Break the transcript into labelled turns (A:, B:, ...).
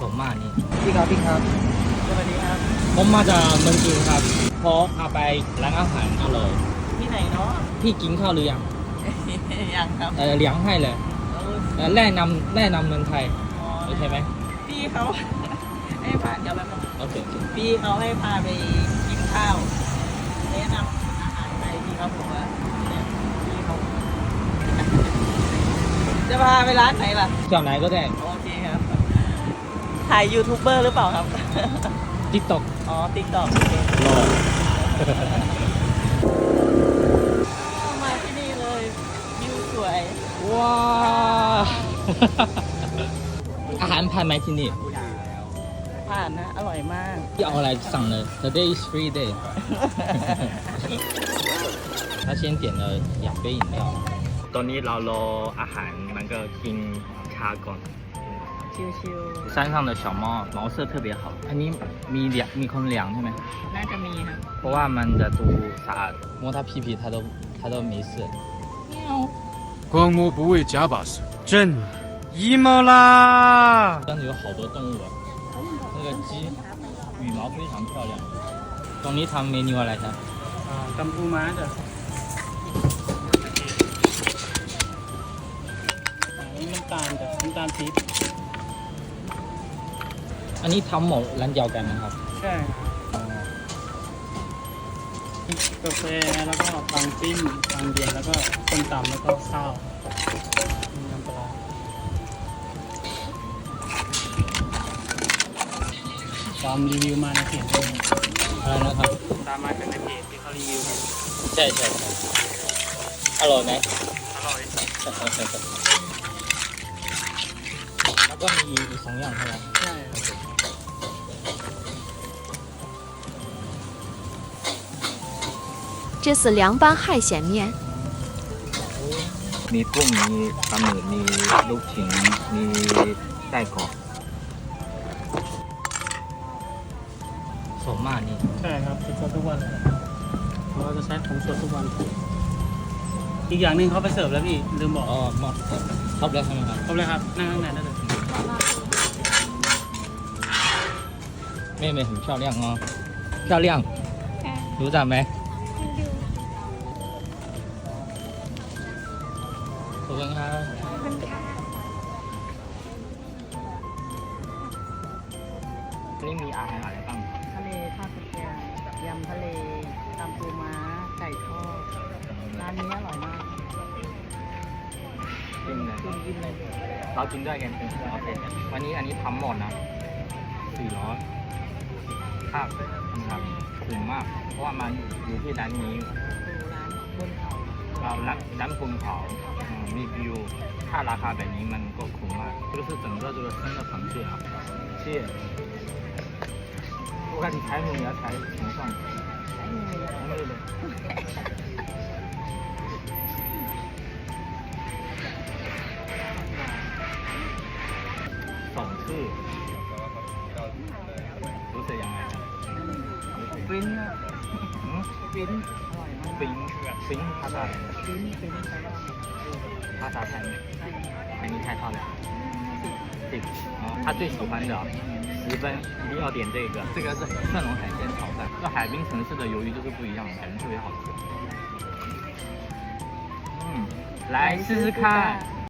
A: สมมากนี่
B: พี่ครับพี่ครับ
C: สวัสดีครับ
A: ผมมาจากเมืองจีนครับพอพาไปร้านอาหารอร่อย
C: ที่ไหนเนาะ
A: พี่กินข้าวหรือยัง
C: ยังครับ
A: เลี้ยงให้เลย
C: เออ
A: แนะนำเมืองไทย
C: อ๋อ
A: โอเคไหม
C: พี่เขาให้พาเดี๋ยวแบบ
A: โอเค
C: พี่เขาให้พาไปกินข้าวแนะนำอาหารไทยพี่เขาบอกว่าเนี่ยพี่เขาจะพาไปร้านไหนล่ะ
A: เที่ยวไหนก็ได้
C: โอเคครับ ถ่ายยูทูบเบอร์หรือเปล่าครับ
A: TikTok
C: อ๋อ ติ๊กต็อก
A: รอ
C: มาที่นี่เลยวิวสวย
A: ว้า อาหารผ่านไหมที่นี่
C: ผ่านนะ อร่อยมาก
A: ที่เอาอะไรสั่งเลย Today is free day 他先点了2杯饮料ตอนนี้เรารออาหารมันก็กินชาก่อน
C: ชิว
A: 山上的小猫毛色特别好อันนี้มีคนเลี้ยงใช่ไหม
C: ๆ น่าจะมีครับ
A: เพราะว่ามันจะดูสะอาด摸它屁屁它都没事
D: 光摸不为假把式，朕 emo 啦！
A: 但是有好多动物啊那个鸡羽毛非常漂亮ตรงนี้ทำเมนูอะไรครับ
C: กัมพูม้าจ้ะนี่น้ำตาลจ้ะน้ำตาลปี๊บ
A: อันนี้ทำหมดร้านเดียวกันนะครับ
C: ใช่กาแฟแล้วก็ปังปิ้งปังเย็นแล้วก็ส้มตำแล้วก็ข้าวมีน้ำปลาตามรีวิวมาในเพจด้วย
A: อะไรนะครับ
C: ตามมาจากในเพจที่เขารีวิวกัน
A: ใช่อร่อยไหม
C: อร่อย
A: แล้วก็มีอีก2อย่างใช่ไหม
C: ใช่
E: 这是凉拌海鲜面。
A: มีกุ้งมีปลาหมึกมีลูกชิ้นมีไส้กรอกสมมากนี่
C: ใช่ครับสดทุกวันเลยเราจะใช้ของสดทุกวัน อีกอย่างหนึ่งเขาไปเสิร์ฟแล้วพี่ลืมบอก
A: อ๋อหมดครบแล้วใช่ไหมครับ
C: ครบเลยครับนั่งข้างในได้เลย
A: 妹妹很漂亮哦漂亮รู้จักไหมขอบคุณครับนี่มีอาหารอะไรบ้าง
C: ทะเลข้าวกระเทียมยำทะเลตำปูม้าไก่ทอดร้านนี้อร่อยมาก
A: กินเลย
C: กินเลย
A: เรากินด้วยกันเป็นโอเควันนี้อันนี้ทำหมดนะ400ครับนะครับถึงมาก เพราะว่ามันอยู่ที่ร้านนี้
C: ดูร้านบนเขา
A: เราร้านบนเขามีวิวถ้าราคาแบบนี้มันก็คุ้มมาก就是整个这个生的螃蟹啊蟹我看你柴母你要柴什么蒜红绿的2ชื่อรู้สึกยังไงครับ
C: ฟินอะ
A: อืม
C: ฟินอร่อยมาก
A: ฟิงภาษา
C: ฟินใช่ไหม
A: ภาษาไทย
C: ใช่
A: อันนี้太漂亮10哦他最喜欢的10分一定要点这个这个是蒜蓉海鲜炒饭这海滨城市的鱿鱼就是不一样感觉特别好吃来试试看